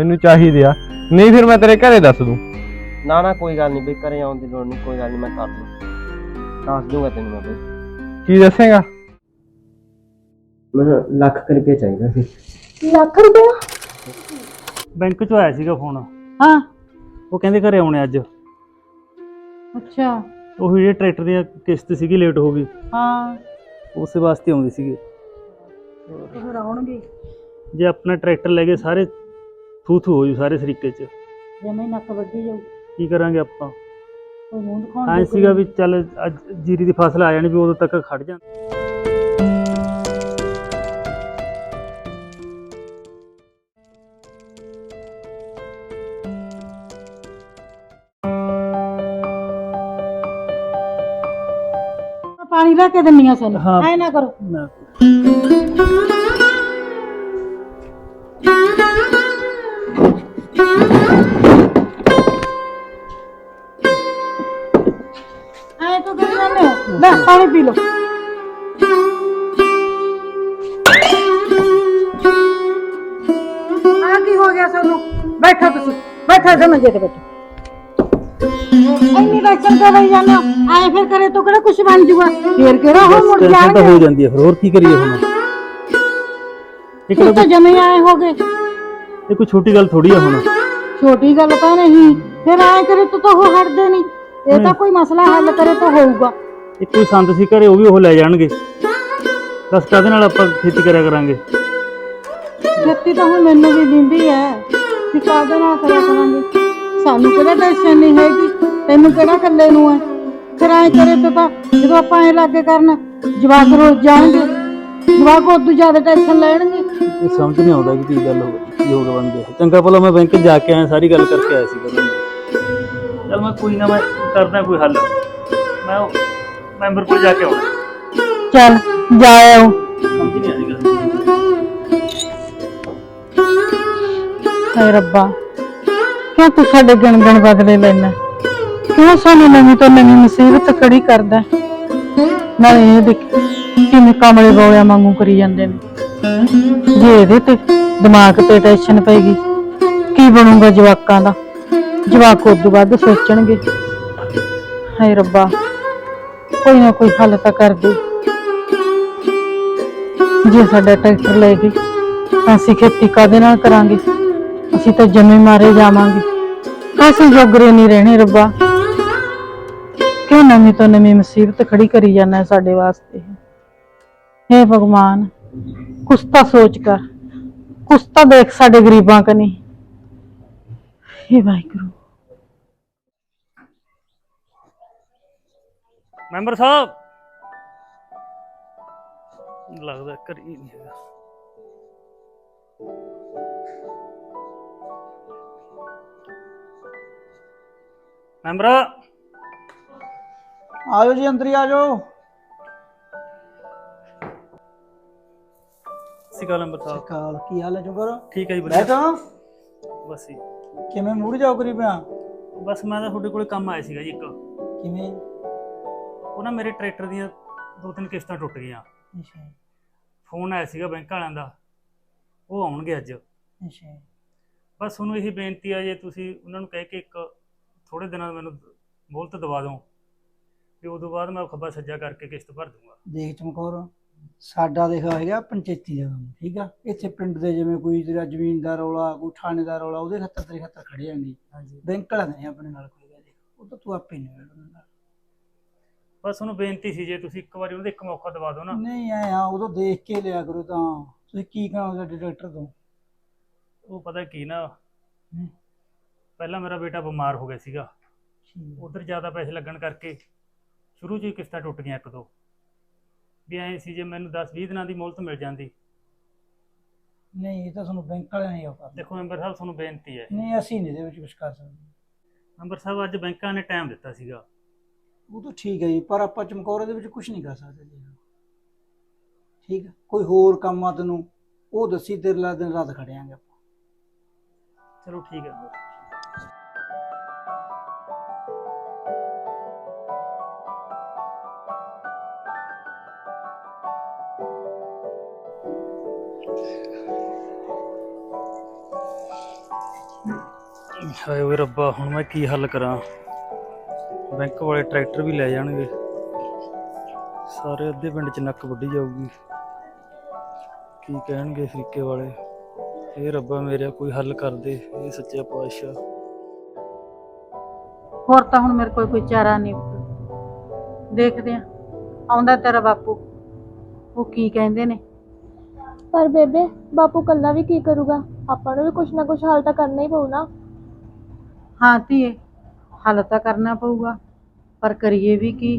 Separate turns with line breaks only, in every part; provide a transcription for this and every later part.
ਮੈਨੂੰ ਚਾਹੀਦੇ ਆ, ਨਹੀਂ ਫਿਰ ਮੈਂ ਤੇਰੇ ਘਰੇ ਦੱਸ ਦੂੰ।
ਨਾ ਕੋਈ ਗੱਲ ਨਹੀਂ ਬਈ, ਘਰੇ ਆਉਣ ਦੀ ਲੋੜ ਨਹੀਂ, ਕੋਈ ਗੱਲ ਨਹੀਂ, ਮੈਂ ਕਰ ਲੂੰ, ਦੱਸ ਦੂੰਗਾ ਤੈਨੂੰ ਮੈਂ ਬਈ।
ਕੀ ਦੱਸੇਗਾ?
ਮੈਨੂੰ ਲੱਖ ਰੁਪਏ ਚਾਹੀਦਾ ਸੀ।
ਲੱਖ ਰੁਪਇਆ?
ਬੈਂਕ ਚੋਂ ਆਇਆ ਸੀਗਾ ਫੋਨ,
ਹਾਂ।
ਉਹ ਕਹਿੰਦੇ ਘਰੇ ਆਉਣੇ ਅੱਜ।
ਅੱਛਾ।
ਉਹ ਜਿਹੜੇ ਟਰੈਕਟਰ ਦੀ ਕਿਸ਼ਤ ਸੀਗੀ ਲੇਟ ਹੋ ਗਈ,
ਹਾਂ,
ਉਸੇ ਵਾਸਤੇ ਆਉਂਦੇ ਸੀਗੇ।
ਫਿਰ ਆਉਣਗੇ।
ਜੇ ਆਪਣਾ ਟਰੈਕਟਰ ਲੈ ਗਏ ਸਾਰੇ ਥੂ ਥੂ ਹੋ ਜੂ ਸਾਰੇ ਸਰੀਕੇ 'ਚ,
ਜਿਵੇਂ ਨੱਕ ਵੱਢੀ ਜਾਊ।
ਕੀ ਕਰਾਂਗੇ ਆਪਾਂ?
ਕੋਈ ਮੂੰਹ ਦਿਖਾਉਣ
ਐਂ ਸੀਗਾ ਵੀ ਚੱਲ ਅੱਜ ਜੀਰੀ ਦੀ ਫਸਲ ਆ ਜਾਣੀ ਵੀ ਉਦੋਂ ਤੱਕ ਖੜ ਜਾ।
ਪਾਣੀ ਲੈ ਕੇ ਦਿੰਨੀ ਆ ਸਾਨੂੰ,
ਹਾਂ।
ਐ ਨਾ ਕਰੋ।
ਨਾ
ਐ ਤਾਂ ਕਰੀ ਜਾਂਦੇ ਹੋ। ਲੈ ਪਾਣੀ ਪੀ ਲਓ। ਆ ਕੀ ਹੋ ਗਿਆ ਸਾਨੂੰ? ਬੈਠੋ ਤੁਸੀਂ, ਬੈਠੋ ਇੱਥੇ ਮੰਜੇ ਤੇ ਬੈਠੋ। ਇੰਨੀ ਟੈਨਸ਼ਨ ਕਰ ਰਹੀ ਜਾਂਦੇ ਹੋ, ਐ ਫਿਰ ਕਰੇ ਤਾਂ ਕਿਹੜਾ ਕੁਝ ਬਣ ਜੂਗਾ? ਫੇਰ ਕਿਹੜਾ ਹੋ ਮੁੜ
ਟੈਨਸ਼ਨ ਤਾਂ ਹੋ
ਜਾਣਗੇ।
ਜਾਂਦੀ ਹੈ, ਫਿਰ ਹੋਰ ਕੀ ਕਰੀਏ ਹੁਣ?
ਤੁਸੀਂ ਤਾਂ ਜਮੇ ਆਏ ਹੋਗੇ।
ਇਹ ਕੋਈ ਛੋਟੀ ਗੱਲ ਥੋੜੀ ਆ ਹੁਣ।
ਛੋਟੀ ਗੱਲ ਤਾਂ ਨਹੀਂ, ਫਿਰ ਐ ਕਰੇ ਤਾਂ ਉਹ ਹਟਦੇ ਨਹੀਂ। ਇਹ ਤਾਂ ਕੋਈ ਮਸਲਾ ਹੱਲ ਕਰੇ ਤਾਂ ਹੋਊਗਾ।
ਇੱਕ ਕੋਈ ਸੰਦ ਸੀ ਘਰੇ, ਉਹ ਵੀ ਉਹ ਲੈ ਜਾਣਗੇ। ਦੱਸ ਕਾਹਦੇ ਨਾਲ ਆਪਾਂ ਖੇਤੀ ਕਰਿਆ ਕਰਾਂਗੇ?
ਖੇਤੀ ਤਾਂ ਹੁਣ ਮੈਨੂੰ ਵੀ ਦਿੰਦੀ ਐ ਕਿ ਕਾਹਦੇ ਨਾਲ ਕਰਿਆ ਕਰਾਂਗੇ। ਸਾਨੂੰ ਕਿਹੜਾ ਟੈਨਸ਼ਨ ਨਹੀਂ ਹੈਗੀ, ਤੈਨੂੰ ਕਿਹੜਾ ਇਕੱਲੇ ਨੂੰ ਐ। ਫਿਰ ਐ ਕਰੇ ਤਾਂ ਜਦੋਂ ਆਪਾਂ ਐ ਲਾਗੇ ਕਰਨ, ਜਵਾਕ ਰੋਜ਼ ਜਾਣਗੇ, ਜਵਾਕ ਉਦੋਂ ਜ਼ਿਆਦਾ ਟੈਨਸ਼ਨ ਲੈਣਗੇ।
ਇਹ ਸਮਝ ਨਹੀਂ ਆਉਂਦਾ ਕਿ ਕੀ ਗੱਲ ਹੋ ਗਈ ਬਣ ਗਿਆ। ਚੰਗਾ ਭਲਾ ਮੈਂ ਬੈਂਕ ਜਾ ਕੇ ਆਇਆ, ਸਾਰੀ ਗੱਲ ਕਰਕੇ ਆਇਆ ਸੀਗਾ ਉਹਨਾਂ ਨੂੰ। ਚੱਲ ਮੈਂ ਕੋਈ ਨਾ, ਮੈਂ ਕਰਦਾ ਕੋਈ ਹੱਲ। ਮੈਂ ਉਹ ਮੈਂਬਰ ਕੋਲ ਜਾ ਕੇ ਆਉਣਾ।
ਚੱਲ ਜਾ ਆਓ।
ਸਮਝ ਨਹੀਂ ਆਈ ਗੱਲ।
ਹਾਏ ਰੱਬਾ, ਕਿਉਂ ਤੂੰ ਸਾਡੇ ਗਣ ਬਦਲੇ ਲੈਣਾ? ਕਿਉਂ ਸਾਨੂੰ ਨਵੀਂ ਤੋਂ ਨਵੀਂ ਮੁਸੀਬਤ ਖੜੀ ਕਰਦਾ? ਨਾਲੇ ਇਹ ਦੇਖ ਕਿਵੇਂ ਕਮਲੇ ਬੋਲਿਆ ਵਾਂਗੂ ਕਰੀ ਜਾਂਦੇ ਨੇ। ਜੇ ਇਹਦੇ ਤੇ ਦਿਮਾਗ ਤੇ ਟੈਨਸ਼ਨ ਪਏਗੀ, ਕੀ ਬਣੂਗਾ ਜਵਾਕਾਂ ਦਾ? ਜਵਾਕ ਉਦੋਂ ਵੱਧ ਸੋਚਣਗੇ। ਹਾਏ ਰੱਬਾ, ਕੋਈ ਨਾ ਕੋਈ ਹੱਲ ਤਾਂ ਕਰ ਦੇ। ਜੇ ਸਾਡਾ ਟਰੈਕਟਰ ਲੈ ਗਈ ਤਾਂ ਅਸੀਂ ਖੇਤੀ ਕਾਹਦੇ ਨਾਲ ਕਰਾਂਗੇ? ਅਸੀਂ ਤਾਂ ਜੰਮੇ ਮਾਰੇ ਜਾਵਾਂਗੇ, ਅਸੀਂ ਜੋਗਰੇ ਨਹੀਂ ਰਹਿਣੇ। ਰੱਬਾ, ਕਿਉਂ ਨਵੀਂ ਤੋਂ ਨਵੀਂ ਮੁਸੀਬਤ ਖੜੀ ਕਰੀ ਜਾਂਦਾ ਸਾਡੇ ਵਾਸਤੇ? ਹੇ ਭਗਵਾਨ, ਕੁਛ ਤਾਂ ਸੋਚ ਕਰ, ਕੁਛ ਤਾਂ ਦੇਖ ਸਾਡੇ ਗਰੀਬਾਂ ਕਨੀ। ਹੇ ਵਾਹਿਗੁਰੂ।
ਮੈਂਬਰ ਸਾਹਿਬ, ਲੱਗਦਾ ਘਰੇ ਹੀ ਨਹੀਂ ਹੈਗਾ। ਮੈਂਬਰ
ਆਜੋ ਜੀ, ਅੰਦਰ ਹੀ ਆਜੋ।
ਸਿਕਾ ਮੈਂਬਰ ਸਾਹਿਬ,
ਕਾਲ ਕੀ ਹਾਲ ਹੈ ਜੋਗਰ?
ਠੀਕ ਹੈ ਜੀ, ਵਧੀਆ।
ਬੈਠੋ।
ਬਸ ਜੀ,
ਕਿਵੇਂ ਮੂਡ ਜਾਓ ਕਰੀ ਪਿਆ?
ਬਸ ਮੈਂ ਤਾਂ ਤੁਹਾਡੇ ਕੋਲੇ ਕੰਮ ਆਇਆ ਸੀਗਾ ਜੀ ਇੱਕ।
ਕਿਵੇਂ?
ਉਹ ਨਾ ਮੇਰੇ ਟਰੈਕਟਰ ਦੀਆਂ 2-3 ਕਿਸ਼ਤਾਂ ਟੁੱਟ ਗਈਆਂ।
ਅੱਛਾ
ਫੋਨ ਆਇਆ ਸੀਗਾ ਬੈਂਕ ਵਾਲਿਆਂ ਦਾ, ਉਹ ਆਉਣਗੇ ਅੱਜ।
ਅੱਛਾ।
ਬਸ ਤੁਹਾਨੂੰ ਇਹੀ ਬੇਨਤੀ ਆ, ਜੇ ਤੁਸੀਂ ਉਹਨਾਂ ਨੂੰ ਕਹਿ ਕੇ ਇੱਕ ਥੋੜੇ ਦਿਨਾਂ ਮੈਨੂੰ ਮੋਹਲਤ ਦਵਾ ਦਿਓ, ਤੇ ਉਦੋਂ ਬਾਅਦ ਮੈਂ ਖੱਬਾ ਸੱਜਾ ਕਰਕੇ ਕਿਸ਼ਤ ਭਰ ਦੂੰਗਾ।
ਦੇਖ ਚਮਕੌਰ, ਸਾਡਾ ਦੇਖਾ ਹੈਗਾ ਪੰਚਾਇਤੀ ਦਾ ਕੰਮ, ਠੀਕ ਆ? ਇੱਥੇ ਪਿੰਡ ਦੇ ਜਿਵੇਂ ਕੋਈ ਤੇਰਾ ਜ਼ਮੀਨ ਦਾ ਰੌਲਾ, ਕੋਈ ਥਾਣੇ ਦਾ ਰੌਲਾ, ਉਹਦੇ ਖਾਤਰ ਤੇਰੇ ਖਾਤਰ ਖੜੇ ਜਾਂਗੇ।
ਹਾਂਜੀ,
ਬੈਂਕ ਵਾਲਾ ਨਹੀਂ ਆਪਣੇ ਨਾਲ ਕੋਈ ਗੱਲ, ਉਹ ਤਾਂ ਤੂੰ ਆਪੇ ਨਹੀਂ ਉਹਨਾਂ ਨਾਲ।
ਬਸ ਉਹਨੂੰ ਬੇਨਤੀ ਸੀ, ਜੇ ਤੁਸੀਂ ਇੱਕ ਵਾਰੀ ਉਹਦੇ ਇੱਕ ਮੌਕਾ ਦਵਾ ਦਿਓ ਨਾ।
ਨਹੀਂ ਐ ਆ, ਉਦੋਂ ਦੇਖ ਕੇ ਲਿਆ ਕਰੋ। ਤਾਂ ਤੁਸੀਂ ਕੀ ਕਹੋ ਸਾਡੇ ਡਾਕਟਰ ਤੋਂ?
ਉਹ ਪਤਾ ਕੀ ਨਾ, ਪਹਿਲਾਂ ਮੇਰਾ ਬੇਟਾ ਬਿਮਾਰ ਹੋ ਗਿਆ ਸੀਗਾ, ਉਧਰ ਜ਼ਿਆਦਾ ਪੈਸੇ ਲੱਗਣ ਕਰਕੇ ਸ਼ੁਰੂ 'ਚ ਹੀ ਕਿਸ਼ਤਾਂ ਟੁੱਟ ਗਈਆਂ ਇੱਕ ਦੋ। ਵੀ ਐਂ ਸੀ ਜੇ ਮੈਨੂੰ 10-20 ਦਿਨਾਂ ਦੀ ਮੋਹਲਤ ਮਿਲ ਜਾਂਦੀ।
ਨਹੀਂ, ਇਹ ਤਾਂ ਤੁਹਾਨੂੰ ਬੈਂਕ ਵਾਲਿਆਂ ਨੇ ਉਹ ਕਰਨਾ।
ਦੇਖੋ ਮੈਂਬਰ ਸਾਹਿਬ, ਤੁਹਾਨੂੰ ਬੇਨਤੀ ਹੈ।
ਨਹੀਂ, ਅਸੀਂ ਨਹੀਂ ਇਹਦੇ ਵਿੱਚ ਕੁਝ ਕਰ ਸਕਦੇ।
ਮੈਂਬਰ ਸਾਹਿਬ, ਅੱਜ ਬੈਂਕਾਂ ਨੇ ਟਾਈਮ ਦਿੱਤਾ ਸੀਗਾ।
ਉਹ ਤਾਂ ਠੀਕ ਹੈ ਜੀ, ਪਰ ਆਪਾਂ ਚਮਕੌਰ ਦੇ ਵਿੱਚ ਕੁਝ ਨਹੀਂ ਕਰ ਸਕਦੇ ਜੀ। ਠੀਕ ਹੈ, ਕੋਈ ਹੋਰ ਕੰਮ ਆ ਤੈਨੂੰ ਉਹ ਦੱਸੀ, ਤੇਰੇ ਨਾਲ ਦਿਨ ਰਾਤ ਖੜਿਆਂਗੇ ਆਪਾਂ।
ਚਲੋ ਠੀਕ ਹੈ। ਹਾਏ ਓਏ ਰੱਬਾ, ਹੁਣ ਮੈਂ ਕੀ ਹੱਲ ਕਰਾਂ? ਬੈਂਕ ਵਾਲੇ ਟਰੈਕਟਰ ਵੀ ਲੈ ਜਾਣਗੇ, ਸਾਰੇ ਅੱਧੇ ਪਿੰਡ 'ਚ ਨੱਕ ਵੱਢੀ ਜਾਊਗੀ। ਕੀ ਕਹਿਣਗੇ ਫਰੀਕੇ ਵਾਲੇ? ਇਹ ਰੱਬਾ ਮੇਰਾ ਕੋਈ ਹੱਲ ਕਰ ਦੇ, ਇਹ ਸੱਚਾ ਪਾਤਸ਼ਾਹ।
ਹੋਰ ਤਾਂ ਹੁਣ ਮੇਰੇ ਕੋਲ ਕੋਈ ਚਾਰਾ ਨਹੀਂ। ਦੇਖਦੇ ਆ, ਆਉਂਦਾ ਤੇਰਾ ਬਾਪੂ, ਉਹ ਕੀ ਕਹਿੰਦੇ ਨੇ।
ਪਰ ਬੇਬੇ ਬਾਪੂ ਕੱਲਾ ਵੀ ਕੀ ਕਰੂਗਾ? ਆਪਾਂ ਨੂੰ ਵੀ ਕੁਛ ਨਾ ਕੁਛ ਹੱਲ ਤਾਂ ਕਰਨਾ ਹੀ ਪਊ ਨਾ।
ਹਾਂ ਧੀਏ, ਹੱਲ ਤਾਂ ਕਰਨਾ ਪਊਗਾ, ਪਰ ਕਰੀਏ ਵੀ ਕੀ?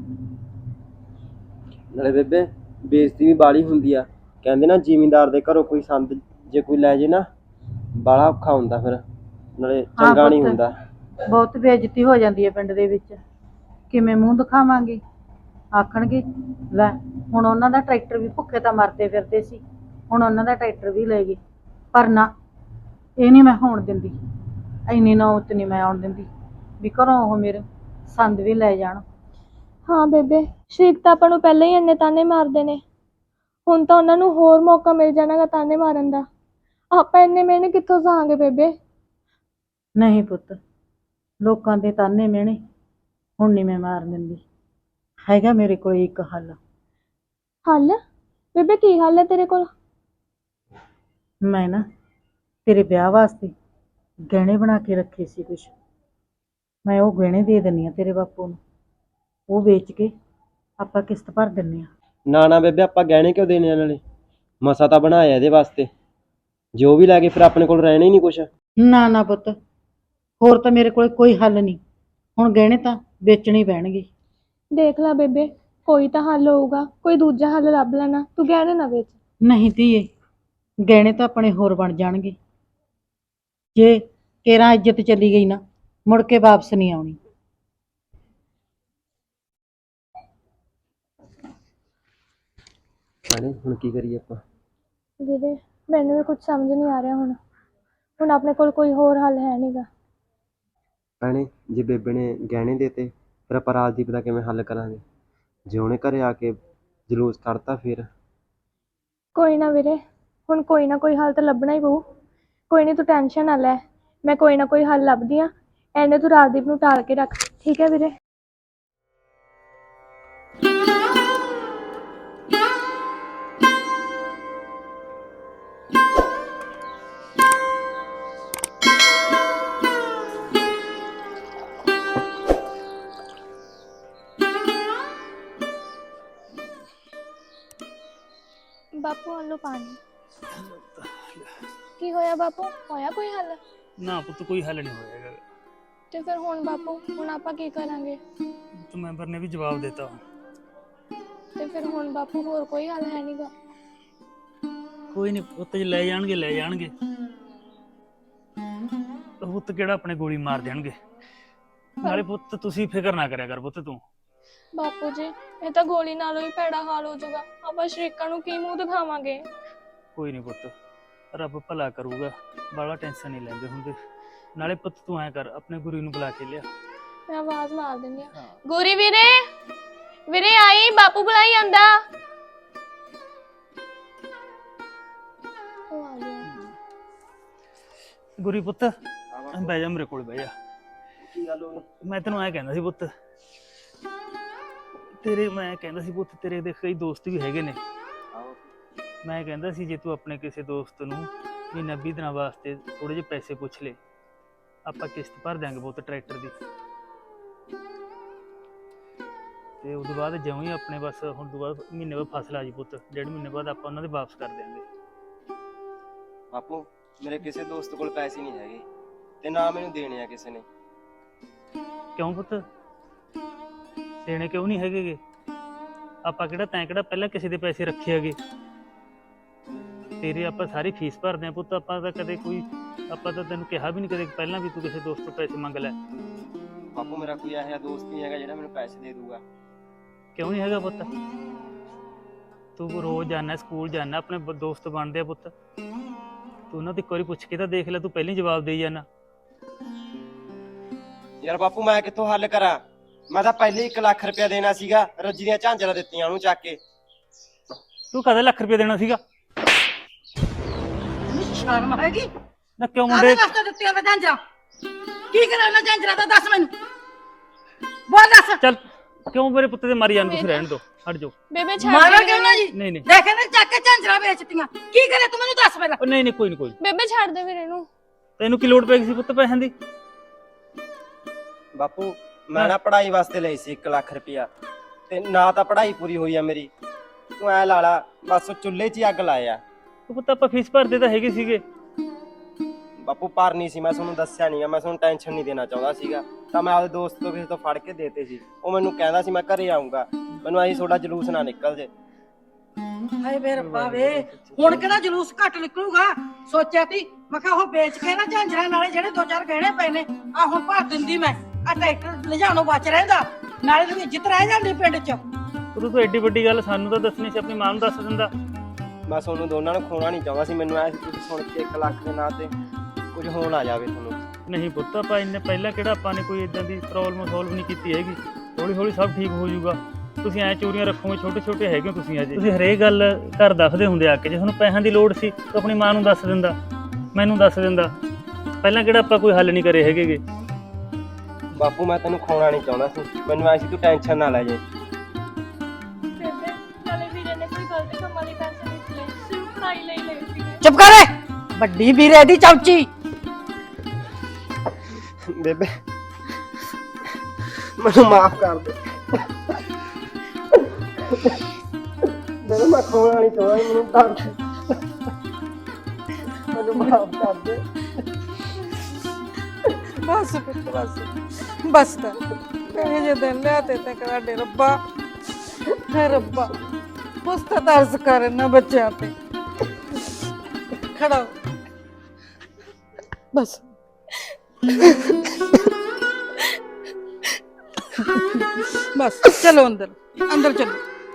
ਨਾਲੇ ਬੇਬੇ ਬੇਇੱਜ਼ਤੀ ਵੀ ਬਾਲੀ ਹੁੰਦੀ ਆ। ਕਹਿੰਦੇ ਨਾ ਜ਼ਿਮੀਂਦਾਰ ਦੇ ਘਰੋਂ ਕੋਈ ਸੰਦ ਜੇ ਕੋਈ ਲੈ ਜੇ ਨਾ, ਬਾਲਾ ਔਖਾ ਹੁੰਦਾ ਫਿਰ, ਨਾਲੇ ਚੰਗਾ ਨਹੀਂ
ਪੁੱਤ,
ਹੁੰਦਾ।
ਬਹੁਤ ਬੇਇੱਜ਼ਤੀ ਹੋ ਜਾਂਦੀ ਹੈ ਪਿੰਡ ਦੇ ਵਿੱਚ। ਕਿਵੇਂ ਮੂੰਹ ਦਿਖਾਵਾਂਗੇ? ਆਖਣਗੇ ਲੈ, ਹੁਣ ਉਹਨਾਂ ਦਾ ਟਰੈਕਟਰ ਵੀ ਭੁੱਖੇ ਤਾਂ ਮਰਦੇ ਫਿਰਦੇ ਸੀ, ਹੁਣ ਉਹਨਾਂ ਦਾ ਟਰੈਕਟਰ ਵੀ ਲੈ ਗਏ। ਪਰ ਨਾ, ਇਹ ਨਹੀਂ ਮੈਂ ਹੋਣ ਦਿੰਦੀ, ਇੰਨੀ ਨੌਬਤ ਨਹੀਂ ਮੈਂ ਆਉਣ ਦਿੰਦੀ ਵੀ ਘਰੋਂ ਉਹ ਮੇਰੇ ਸੰਦ ਵੀ ਲੈ ਜਾਣ।
ਹਾਂ ਬੇਬੇ, ਸ਼ਰੀਕ ਤਾਂ ਆਪਾਂ ਨੂੰ ਪਹਿਲਾਂ ਹੀ ਇੰਨੇ ਤਾਨੇ ਮਾਰਦੇ ਨੇ, ਹੁਣ ਤਾਂ ਉਹਨਾਂ ਨੂੰ ਹੋਰ ਮੌਕਾ ਮਿਲ ਜਾਣਾਗਾ ਤਾਨੇ ਮਾਰਨ ਦਾ। ਆਪਾਂ ਇੰਨੇ ਮਿਹਣੇ ਕਿੱਥੋਂ ਸਹਾਂਗੇ ਬੇਬੇ?
ਨਹੀਂ ਪੁੱਤ, ਲੋਕਾਂ ਦੇ ਤਾਨੇ ਮਿਹਣੇ ਹੁਣ ਨਹੀਂ ਮੈਂ ਮਾਰ ਦਿੰਦੀ। ਹੈਗਾ ਮੇਰੇ ਕੋਲ ਇੱਕ ਹੱਲ।
ਹੱਲ? ਬੇਬੇ ਕੀ ਹੱਲ ਹੈ ਤੇਰੇ ਕੋਲ?
ਮੈਂ ਨਾ ਤੇਰੇ ਵਿਆਹ ਵਾਸਤੇ ਗਹਿਣੇ ਬਣਾ ਕੇ ਰੱਖੇ ਸੀ ਕੁਛ, ਮੈਂ ਉਹ ਗਹਿਣੇ ਦੇ ਦਿੰਦੀ ਆ ਤੇਰੇ ਬਾਪੂ ਨੂੰ, ਉਹ ਵੇਚ ਕੇ ਆਪਾਂ ਕਿਸ਼ਤ ਭਰ ਦਿੰਦੇ ਆ।
ਨਾ ਨਾ ਬੇਬੇ, ਆਪਾਂ ਗਹਿਣੇ ਕਿਉਂ ਦੇਣੇ ਆ? ਨਾਲੇ ਮਸਾ ਤਾਂ ਬਣਾਇਆ ਇਹਦੇ ਵਾਸਤੇ, ਜੋ ਵੀ ਲੈ ਕੇ ਫਿਰ ਆਪਣੇ ਕੋਲ ਰਹਿਣਾ ਹੀ ਨਹੀਂ ਕੁਛ।
ਨਾ ਨਾ ਪੁੱਤ, ਹੋਰ ਤਾਂ ਮੇਰੇ ਕੋਲ ਕੋਈ ਹੱਲ ਨਹੀਂ, ਹੁਣ ਗਹਿਣੇ ਤਾਂ ਵੇਚਣੇ ਹੀ ਪੈਣਗੇ।
ਦੇਖ ਲੈ ਬੇਬੇ, ਕੋਈ ਤਾਂ ਹੱਲ ਹੋਊਗਾ, ਕੋਈ ਦੂਜਾ ਹੱਲ ਲੱਭ ਲੈਣਾ, ਤੂੰ ਗਹਿਣੇ ਨਾ ਵੇਚ।
ਨਹੀਂ ਧੀਏ, ਗਹਿਣੇ ਤਾਂ ਆਪਣੇ ਹੋਰ ਬਣ ਜਾਣਗੇ। ਜੇ ਕੇਰਾਂ ਇੱਜ਼ਤ ਚਲੀ ਗਈ ਨਾ, ਮੁੜ ਕੇ ਵਾਪਸ ਨਹੀਂ ਆਉਣੀ।
ਨਾਲੇ ਹੁਣ ਕੀ ਕਰੀਏ ਆਪਾਂ?
ਵੀਰੇ ਮੈਨੂੰ ਵੀ ਕੁਝ ਸਮਝ ਨਹੀਂ ਆ ਰਿਹਾ ਹੁਣ ਆਪਣੇ ਕੋਲ ਕੋਈ ਹੋਰ ਹੱਲ ਹੈ ਨਹੀਂਗਾ।
ਭੈਣੇ, ਜੇ ਬੇਬੇ ਨੇ ਗਹਿਣੇ ਦੇਤੇ ਫਿਰ ਆਪਾਂ ਰਾਜਦੀਪ ਦਾ ਕਿਵੇਂ ਹੱਲ ਕਰਾਂਗੇ? ਜੇ ਉਹਨੇ ਘਰੇ ਆ ਕੇ ਜਲੂਸ ਕੱਢਤਾ ਫਿਰ?
ਕੋਈ ਨਾ ਵੀਰੇ, ਹੁਣ ਕੋਈ ਨਾ ਕੋਈ ਹੱਲ ਤਾਂ ਲੱਭਣਾ ਹੀ ਪਊ। ਕੋਈ ਨਹੀਂ, ਤੂੰ ਟੈਨਸ਼ਨ ਨਾ ਲੈ, ਮੈਂ ਕੋਈ ਨਾ ਕੋਈ ਹੱਲ ਲੱਭਦੀ ਆ। ਐਨੇ ਤੂੰ ਰਾਜਦੀਪ ਨੂੰ ਟਾਲ ਕੇ ਰੱਖ, ਠੀਕ ਹੈ ਵੀਰੇ? ਬਾਪੂ ਆ ਲਓ ਪਾਣੀ। ਕੀ ਹੋਇਆ ਬਾਪੂ, ਹੋਇਆ ਕੋਈ ਹੱਲ?
ਨਾ ਪੁੱਤ, ਕੋਈ ਹੱਲ ਨਹੀਂ ਹੋਇਆ ਹੈਗਾ।
ਤੇ ਫਿਰ ਹੁਣ ਬਾਪੂ, ਹੁਣ ਆਪਾਂ ਕੀ ਕਰਾਂਗੇ?
ਤੇ ਮੈਂਬਰ ਨੇ ਵੀ ਜਵਾਬ ਦਿੱਤਾ।
ਤੇ ਫਿਰ ਹੁਣ ਬਾਪੂ ਹੋਰ ਕੋਈ ਹੱਲ ਹੈ ਨਹੀਂਗਾ?
ਕੋਈ ਨਹੀਂ ਪੁੱਤ, ਜੇ ਲੈ ਜਾਣਗੇ ਲੈ ਜਾਣਗੇ, ਪੁੱਤ ਕਿਹੜਾ ਆਪਣੇ ਗੋਲੀ ਮਾਰ ਦੇਣਗੇ। ਨਾਲੇ ਪੁੱਤ ਤੁਸੀਂ ਫਿਕਰ ਨਾ ਕਰਿਆ ਕਰ ਪੁੱਤ ਤੂੰ।
ਬਾਪੂ ਜੀ, ਇਹ ਤਾਂ ਗੋਲੀ ਨਾਲੋਂ ਹੀ ਭੈੜਾ ਹਾਲ ਹੋ ਜਾਊਗਾ, ਆਪਾਂ ਸ਼ਰੀਕਾਂ ਨੂੰ ਕੀ ਮੂੰਹ ਦਿਖਾਵਾਂਗੇ?
ਕੋਈ ਨਹੀਂ ਪੁੱਤ, ਰੱਬ ਭਲਾ ਕਰੂਗਾ, ਬਾਹਲਾ ਟੈਨਸ਼ਨ ਨਹੀਂ ਲੈਂਦੇ ਹੁੰਦੇ। ਨਾਲੇ ਪੁੱਤ ਤੂੰ ਐਂ ਕਰ, ਆਪਣੇ ਗੁਰੂ ਨੂੰ ਬੁਲਾ ਕੇ ਲਿਆ।
ਮੈਂ ਆਵਾਜ਼ ਮਾਰ ਦਿੰਦੀ ਆ, ਗੋਰੀ ਵੀਰੇ, ਵੀਰੇ ਆਈ, ਬਾਪੂ ਬੁਲਾਈ ਆਂਦਾ। ਉਹ ਆ ਗਿਆ।
ਗੁਰੀ ਪੁੱਤ ਬਹਿ ਜਾ, ਮੇਰੇ ਕੋਲ ਬਹਿ ਜਾ।
ਕੀ ਗੱਲ ਹੋਈ?
ਮੈਂ ਤੈਨੂੰ ਐਂ ਕਹਿੰਦਾ ਸੀ ਪੁੱਤ, ਪੁੱਤ ਤੇਰੇ ਦੇ ਕਈ ਦੋਸਤ ਵੀ ਹੈਗੇ ਨੇ। ਮੈਂ ਕਹਿੰਦਾ ਸੀ ਜੇ ਤੂੰ ਆਪਣੇ ਕਿਸੇ ਦੋਸਤ ਨੂੰ ਮਹੀਨਾ 20 ਦਿਨਾਂ ਵਾਸਤੇ ਥੋੜੇ ਜਿਹੇ ਪੈਸੇ ਪੁੱਛ ਲੈ, ਆਪਾਂ ਕਿਸ਼ਤ ਭਰ ਦਿਆਂਗੇ ਪੁੱਤ ਟਰੈਕਟਰ ਦੀ। ਤੇ ਉਸ ਤੋਂ ਬਾਅਦ ਜਿਉਂ ਹੀ ਆਪਣੇ ਬਸ ਹੁਣ ਤੋਂ ਬਾਅਦ ਮਹੀਨੇ ਬਾਅਦ ਫਸਲ ਆ ਜੀ ਪੁੱਤ, 1.5 ਮਹੀਨੇ ਬਾਅਦ ਆਪਾਂ ਉਹਨਾਂ ਦੇ ਵਾਪਸ ਕਰ ਦਿਆਂਗੇ।
ਬਾਪੂ, ਮੇਰੇ ਕਿਸੇ ਦੋਸਤ ਕੋਲ ਪੈਸੇ ਨਹੀਂ ਹੈਗੇ ਤੇ ਨਾ ਮੈਨੂੰ ਦੇਣੇ ਆ ਕਿਸੇ ਨੇ।
ਕਿਉਂ ਪੁੱਤ, ਦੇਣੇ ਕਿਉਂ ਨਹੀਂ ਹੈਗੇ? ਆਪਾਂ ਕਿਹੜਾ ਪਹਿਲਾਂ ਕਿਸੇ ਦੇ ਪੈਸੇ ਰੱਖੇ ਹੈਗੇ? ਤੇਰੇ ਆਪਾਂ ਸਾਰੀ ਫੀਸ ਭਰਦੇ ਆ ਪੁੱਤ, ਆਪਾਂ ਤਾਂ ਤੈਨੂੰ ਕਿਹਾ ਵੀ ਨਹੀਂ ਕਦੇ ਪਹਿਲਾਂ ਵੀ ਤੂੰ ਕਿਸੇ ਦੋਸਤ ਤੋਂ ਪੈਸੇ ਮੰਗ ਲੈ।
ਬਾਪੂ, ਮੇਰਾ ਕੋਈ ਇਹੋ ਜਿਹਾ ਦੋਸਤ ਨਹੀਂ ਹੈਗਾ ਜਿਹੜਾ ਮੈਨੂੰ ਪੈਸੇ ਦੇ ਦੂਗਾ।
ਕਿਉਂ ਨਹੀਂ ਹੈਗਾ ਪੁੱਤ? ਤੂੰ ਰੋਜ਼ ਜਾਂਦਾ, ਸਕੂਲ ਜਾਂਦਾ, ਆਪਣੇ ਦੋਸਤ ਬਣਦੇ ਆ ਪੁੱਤ। ਤੂੰ ਉਹਨਾਂ ਤੋਂ ਇੱਕ ਵਾਰੀ ਪੁੱਛ ਕੇ ਤਾਂ ਦੇਖ ਲੈ, ਤੂੰ ਪਹਿਲਾਂ ਹੀ ਜਵਾਬ ਦੇਈ ਜਾਂਦਾ।
ਯਾਰ ਬਾਪੂ, ਮੈਂ ਕਿੱਥੋਂ ਹੱਲ ਕਰਾਂ? ਮੈਂ ਤਾਂ ਪਹਿਲੇ 1 ਲੱਖ ਰੁਪਇਆ ਦੇਣਾ ਸੀਗਾ, ਰੱਜੀ ਦੀਆਂ ਝਾਂਜਰਾਂ ਦਿੱਤੀਆਂ ਉਹਨੂੰ ਚੱਕ ਕੇ।
ਤੂੰ ਕਦੇ ਲੱਖ ਰੁਪਏ ਦੇਣਾ ਸੀਗਾ?
ਸ਼ਰਮ ਹੈਗੀ?
ਨਾ ਕਿਉਂ ਮੁੰਡੇ,
ਵਾਸਤੇ ਦਿੱਤੀਆਂ ਵਧਾਂਜਾਂ?
ਕੀ ਕਰਾਂ ਉਹਨਾਂ ਝਾਂਜਰਾ ਦਾ ਦੱਸ ਮੈਨੂੰ ਬੋਲ ਦੱਸ
ਚੱਲ ਕਿਉਂ ਮੇਰੇ ਪੁੱਤ ਦੇ ਮਾਰੀ ਜਾਣ ਤੁਸੀਂ ਰਹਿਣ ਦਿਓ ਹਟ ਜਾਓ
ਬੇਬੇ ਛੱਡ
ਮਾਰਾ
ਦੇ
ਕਿਉਂ ਨਾ ਜੀ
ਨਹੀਂ ਨਹੀਂ
ਦੇਖੇ ਨਾ ਚੱਕ ਕੇ ਝਾਂਜਰਾ ਵੇਚਤੀਆਂ ਕੀ ਕਰੇ ਤੂੰ ਮੈਨੂੰ ਦੱਸ ਪਹਿਲਾਂ
ਉਹ ਨਹੀਂ ਨਹੀਂ ਕੋਈ ਨਹੀਂ ਕੋਈ ਨੀ।
ਬੇਬੇ ਛੱਡ ਦੇ ਵੀਰੇ ਨੂੰ
ਤੈਨੂੰ ਕੀ ਲੋੜ ਪੈ ਗਈ ਸੀ ਪੁੱਤ ਪੈਸਿਆਂ ਦੀ
ਬਾਪੂ ਮੈਂ ਨਾ ਪੜ੍ਹਾਈ ਵਾਸਤੇ ਲਈ ਸੀ 1 ਲੱਖ ਰੁਪਇਆ ਤੇ ਨਾ ਤਾਂ ਪੜ੍ਹਾਈ ਪੂਰੀ ਹੋਈ ਆ ਮੇਰੀ। ਤੂੰ ਐ ਲਾ ਲਾ ਬਸ ਉਹ ਚੁੱਲ੍ਹੇ 'ਚ ਹੀ ਅੱਗ ਲਾਇਆ।
ਉਹ ਪੁੱਤ ਆਪਾਂ ਫੀਸ ਭਰਦੇ ਤਾਂ ਹੈਗੇ ਸੀਗੇ
ਬਾਪੂ ਭਰਨੀ ਸੀ, ਮੈਂ ਤੁਹਾਨੂੰ ਦੱਸਿਆ ਨਹੀਂ ਆ, ਮੈਂ ਤੁਹਾਨੂੰ ਟੈਨਸ਼ਨ ਨਹੀਂ ਦੇਣਾ ਚਾਹੁੰਦਾ ਸੀਗਾ ਤਾਂ ਮੈਂ ਆਪਦੇ ਦੋਸਤ ਤੋਂ ਕਿਸੇ ਤੋਂ ਫੜ ਕੇ ਦੇਤੇ ਸੀ। ਉਹ ਮੈਨੂੰ ਕਹਿੰਦਾ ਸੀ ਮੈਂ ਘਰੇ ਆਉਂਗਾ, ਮੈਨੂੰ ਐਂ ਤੁਹਾਡਾ ਜਲੂਸ ਨਾ ਨਿਕਲ ਜੇ।
ਹਾਏ ਵੇ ਰੱਬਾ ਵੇ ਹੁਣ ਕਿਹੜਾ ਜਲੂਸ ਘੱਟ ਨਿਕਲੂਗਾ ਸੋਚਿਆ ਤੀ ਮੈਂ ਕਿਹਾ ਉਹ ਵੇਚ ਕੇ ਨਾ ਝਾਂਜਰਾਂ ਨਾਲੇ ਜਿਹੜੇ 2-4 ਗਹਿਣੇ ਪਏ ਨੇ ਆ ਹੁਣ ਭਰ ਦਿੰਦੀ ਮੈਂ ਆ ਟਰੈਕਟਰ ਲਿਜਾਣੋਂ ਬਚ ਰਹਿੰਦਾ ਨਾਲੇ ਨੂੰ ਇੱਜ਼ਤ ਰਹਿ ਜਾਂਦੀ ਪਿੰਡ 'ਚ।
ਉਦੋਂ ਤੂੰ ਐਡੀ ਵੱਡੀ ਗੱਲ ਸਾਨੂੰ ਤਾਂ ਦੱਸਣੀ ਸੀ, ਆਪਣੀ ਮਾਂ ਨੂੰ ਦੱਸ ਦਿੰਦਾ।
ਮੈਂ ਤੁਹਾਨੂੰ ਦੋਨਾਂ ਨੂੰ ਖੋਣਾ ਨਹੀਂ ਚਾਹੁੰਦਾ ਸੀ, ਮੈਨੂੰ ਐ ਸੀ ਤੁਸੀਂ ਸੁਣ ਕੇ 1 ਲੱਖ ਦੇ ਨਾਂ ਤੇ ਕੁਝ ਹੋਣ ਆ ਜਾਵੇ ਤੁਹਾਨੂੰ।
ਨਹੀਂ ਪੁੱਤ ਆਪਾਂ ਇੰਨੇ ਪਹਿਲਾਂ ਕਿਹੜਾ ਆਪਾਂ ਨੇ ਕੋਈ ਇਦਾਂ ਦੀ ਪ੍ਰੋਬਲਮ ਸੋਲਵ ਨਹੀਂ ਕੀਤੀ ਹੈਗੀ। ਹੌਲੀ ਹੌਲੀ ਸਭ ਠੀਕ ਹੋ ਜਾਊਗਾ। ਤੁਸੀਂ ਐ ਚੋਰੀਆਂ ਰੱਖੋਗੇ, ਛੋਟੇ ਛੋਟੇ ਹੈਗੇ ਹੋ ਤੁਸੀਂ ਅਜੇ। ਤੁਸੀਂ ਹਰੇਕ ਗੱਲ ਘਰ ਦੱਸਦੇ ਹੁੰਦੇ ਆ ਕੇ, ਜੇ ਤੁਹਾਨੂੰ ਪੈਸਿਆਂ ਦੀ ਲੋੜ ਸੀ ਤਾਂ ਆਪਣੀ ਮਾਂ ਨੂੰ ਦੱਸ ਦਿੰਦਾ, ਮੈਨੂੰ ਦੱਸ ਦਿੰਦਾ। ਪਹਿਲਾਂ ਕਿਹੜਾ ਆਪਾਂ ਕੋਈ ਹੱਲ ਨਹੀਂ ਕਰੇ ਹੈਗੇਗੇ।
ਬਾਪੂ ਮੈਂ ਤੈਨੂੰ ਖੋਣਾ ਨਹੀਂ ਚਾਹੁੰਦਾ ਸੀ, ਮੈਨੂੰ ਐ ਸੀ ਤੂੰ ਟੈਨਸ਼ਨ ਨਾ ਲੈ ਜੇ।
ਬੇਬੇ ਨਾਲੇ ਵੀਰੇ ਨੇ ਕੋਈ ਗਲਤ ਕੰਮਾਂ ਲਈ ਪੈਸੇ ਨਹੀਂ ਲਏ, ਸਿਰਫ ਪੜ੍ਹਾਈ ਲਈ ਲਏ ਸੀ।
ਚੁੱਪ ਕਰ ਵੱਡੀ ਵੀਰੇ ਦੀ ਚੌਚੀ।
ਬੇਬੇ ਮੈਨੂੰ ਮਾਫ ਕਰ ਦੇ। ਮੈਂ ਖੋਣਾ ਨਹੀਂ ਚਾਹੁੰਦਾ, ਮੈਨੂੰ ਦੱਸ ਮੈਨੂੰ ਮਾਫ ਕਰ ਦੇ।
ਬਸ ਪੁੱਤ ਬਸ ਬਸ ਤਾਂ ਕਹੇ ਜੇ ਦਿਨ ਲਿਆ ਤੇ ਕਰਾਡੇ ਰੱਬਾ ਹੈ ਰੱਬਾ ਪੁਸਤਾ ਤਰਸ ਕਰ ਇਹਨਾਂ ਬੱਚਿਆਂ ਤੇ ਖੜਾ ਹੋ। ਬਸ ਬਸ ਚਲੋ ਅੰਦਰ ਅੰਦਰ ਚਲੋ।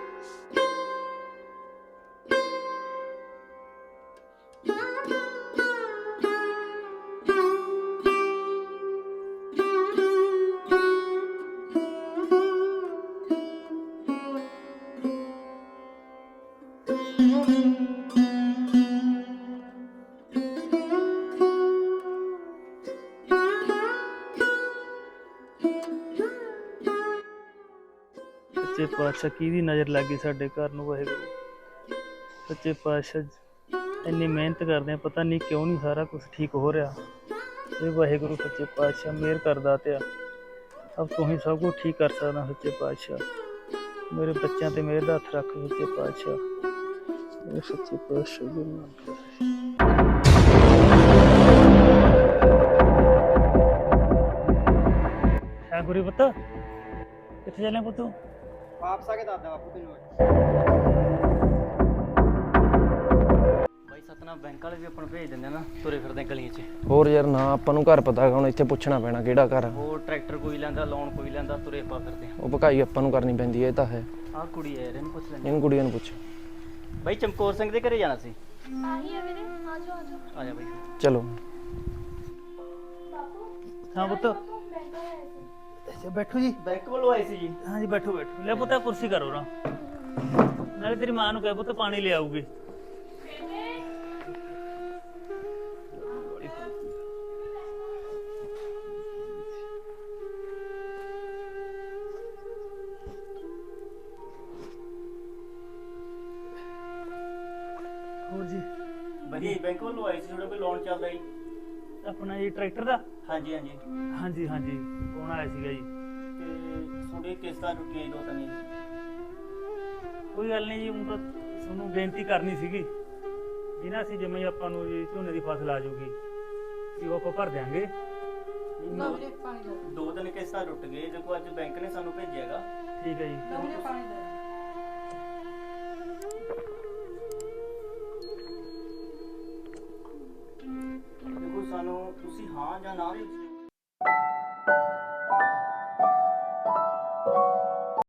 ਸੱਚੇ ਪਾਤਸ਼ਾਹ ਕਿਹਦੀ ਨਜ਼ਰ ਲੱਗ ਗਈ ਸਾਡੇ ਘਰ ਨੂੰ ਵਾਹਿਗੁਰੂ। ਸੱਚੇ ਪਾਤਸ਼ਾਹ ਇੰਨੀ ਮਿਹਨਤ ਕਰਦੇ ਆ, ਪਤਾ ਨਹੀਂ ਕਿਉਂ ਨਹੀਂ ਸਾਰਾ ਕੁਝ ਠੀਕ ਹੋ ਰਿਹਾ। ਇਹ ਵਾਹਿਗੁਰੂ ਸੱਚੇ ਪਾਤਸ਼ਾਹ ਮਿਹਰ ਕਰਦਾ ਤੇ ਅਬ ਤੂੰ ਹੀ ਸਭ ਕੁਝ ਠੀਕ ਕਰ ਸਕਦਾ। ਸੱਚੇ ਪਾਤਸ਼ਾਹ ਮੇਰੇ ਬੱਚਿਆਂ ਤੇ ਮਿਹਰ ਦਾ ਹੱਥ ਰੱਖ ਸੱਚੇ ਪਾਤਸ਼ਾਹ। ਇਹ ਸੱਚੇ ਪਾਤਸ਼ਾਹ ਗੁਰੂ ਨਾਨਕ ਹੈ। ਗੁਰੀ ਪੁੱਤ ਕਿੱਥੇ ਚੱਲੇ ਪੁੱਤ?
ਵਾਪਸ ਆ ਕੇ ਦੱਸਦਾ ਬਾਪੂ ਤੈਨੂੰ।
ਬਾਈ ਸਤਨਾਮ ਬੈਂਕ ਵਾਲੇ ਵੀ ਆਪਾਂ ਨੂੰ ਭੇਜ ਦਿੰਦੇ ਨਾ, ਤੁਰੇ ਫਿਰਦੇ ਗਲੀਆਂ 'ਚ।
ਹੋਰ ਯਾਰ ਨਾ ਆਪਾਂ ਨੂੰ ਘਰ ਪਤਾ ਹੈਗਾ, ਹੁਣ ਇੱਥੇ ਪੁੱਛਣਾ ਪੈਣਾ ਕਿਹੜਾ ਘਰ ਆ।
ਹੋਰ ਟਰੈਕਟਰ ਕੋਈ ਲੈਂਦਾ, ਲੋਨ ਕੋਈ ਲੈਂਦਾ, ਤੁਰੇ ਆਪਾਂ ਫਿਰਦੇ
ਉਹ ਭਕਾਈ ਆਪਾਂ ਨੂੰ ਕਰਨੀ ਪੈਂਦੀ ਹੈ, ਇਹ ਤਾਂ ਹੈ।
ਆਹ ਕੁੜੀ ਹੈ ਯਾਰ, ਇਹਨੂੰ ਪੁੱਛ ਲੈਂਦੇ।
ਇਹਨੂੰ ਕੁੜੀਆਂ ਨੂੰ ਪੁੱਛ।
ਬਾਈ ਚਮਕੌਰ ਸਿੰਘ ਦੇ ਘਰੇ ਜਾਣਾ ਸੀ।
ਆਹੀ ਹੈ ਵੀਰੇ, ਆ ਜਾਓ ਆ ਜਾਓ।
ਆ ਜਾ ਬਾਈ।
ਚਲੋ
ਹਾਂ ਪੁੱਤ ਬੈਠੋ ਜੀ।
ਬੈਂਕ ਵੱਲੋਂ ਆਏ ਸੀ ਜੀ।
ਹਾਂ ਜੀ ਬੈਠੋ ਬੈਠੋ। ਲੈ ਪੁੱਤ ਕੁਰਸੀ ਕਰੋ ਨਾ, ਨਾਲੇ ਤੇਰੀ ਮਾਂ ਨੂੰ ਕਹਿ ਪੁੱਤ ਪਾਣੀ ਲੈ ਆਊਗੀ। ਹੋਰ ਜੀ
ਬਾਈ ਬੈਂਕ ਵੱਲੋਂ ਆਏ ਸੀ, ਤੁਹਾਡਾ ਕੋਈ ਲੋਨ ਚੱਲਦਾ ਜੀ?
ਆਪਣਾ ਜੀ ਟਰੈਕਟਰ ਦਾ?
ਹਾਂਜੀ ਹਾਂਜੀ।
ਹਾਂਜੀ ਹਾਂਜੀ ਕੌਣ ਆਇਆ ਸੀਗਾ ਜੀ?
ਤੇ ਤੁਹਾਡੇ ਕਿਸ਼ਤਾਂ ਟੁੱਟੀਆਂ ਜੀ 2-3 ਜੀ।
ਕੋਈ ਗੱਲ ਨਹੀਂ ਜੀ, ਹੁਣ ਤਾਂ ਤੁਹਾਨੂੰ ਬੇਨਤੀ ਕਰਨੀ ਸੀਗੀ ਇਹਨਾਂ ਸੀ ਜਿਵੇਂ ਆਪਾਂ ਨੂੰ ਜੀ ਝੋਨੇ ਦੀ ਫਸਲ ਆ ਜਾਊਗੀ ਕਿ ਉਹ ਆਪਾਂ ਭਰ ਦਿਆਂਗੇ।
2-3 ਕਿਸ਼ਤਾਂ ਟੁੱਟ ਗਏ, ਦੇਖੋ ਅੱਜ ਬੈਂਕ ਨੇ ਸਾਨੂੰ ਭੇਜਿਆਗਾ।
ਠੀਕ ਹੈ ਜੀ।
ਦੇਖੋ ਸਾਨੂੰ ਤੁਸੀਂ ਹਾਂ ਜਾਂ ਨਾ ਦੇ ਵਿੱਚ